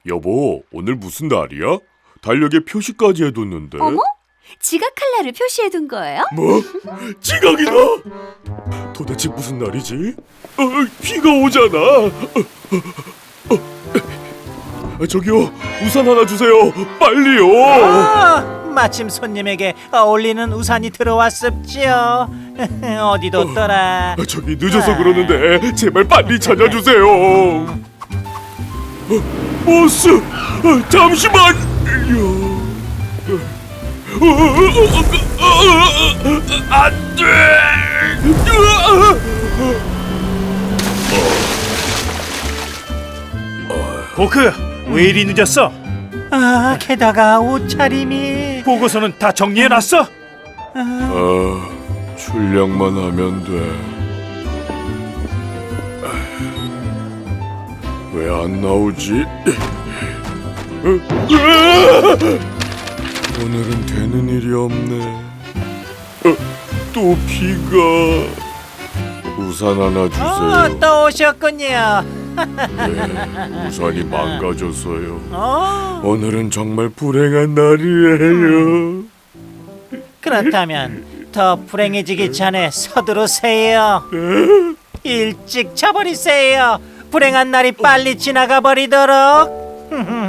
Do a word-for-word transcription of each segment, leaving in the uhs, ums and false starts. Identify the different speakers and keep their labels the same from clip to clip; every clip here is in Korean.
Speaker 1: 여보, 오늘 무슨 날이야? 달력에 표시까지 해뒀는데.
Speaker 2: 어머? 지각 칼날을 표시해둔 거예요?
Speaker 1: 뭐? 지각이다! 도대체 무슨 날이지? 어, 비가 오잖아. 어, 어, 어. 저기요, 우산 하나 주세요. 빨리요.
Speaker 3: 아, 마침 손님에게 어울리는 우산이 들어왔습지요. 어디 뒀더라?
Speaker 1: 아, 저기 늦어서 그러는데 제발 빨리 찾아주세요. 어, 보스, 어, 잠시만요. 어, 어, 어, 어, 어, 안 돼.
Speaker 4: 보크, 왜 이리 늦었어?
Speaker 3: 아, 게다가 옷차림이.
Speaker 4: 보고서는 다 정리해놨어?
Speaker 1: 아, 출력만 하면 돼. 왜 안 나오지? 오늘은 되는 일이 없네. 어, 또 비가. 우산 하나
Speaker 3: 어,
Speaker 1: 주세요.
Speaker 3: 또 오셨군요.
Speaker 1: 네, 우산이 망가졌어요.
Speaker 3: 어,
Speaker 1: 오늘은 정말 불행한 날이에요.
Speaker 3: 그렇다면 더 불행해지기 전에 서두르세요. 일찍 자버리세요. 불행한 날이 빨리 지나가 버리도록.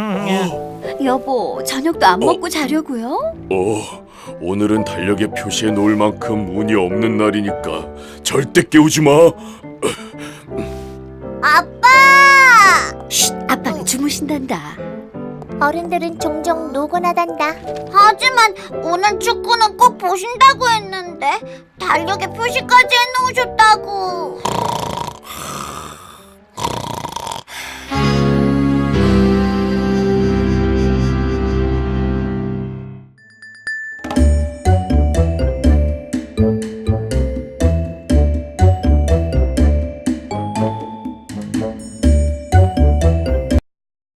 Speaker 2: 여보, 저녁도 안 먹고 자려고요?
Speaker 1: 어, 오늘은 달력에 표시해 놓을 만큼 운이 없는 날이니까 절대 깨우지 마.
Speaker 5: 아빠!
Speaker 2: 쉿, 아빠는 주무신단다.
Speaker 5: 어른들은 종종 노곤하단다. 하지만 오늘 축구는 꼭 보신다고 했는데 달력에 표시까지 해놓으셨다고.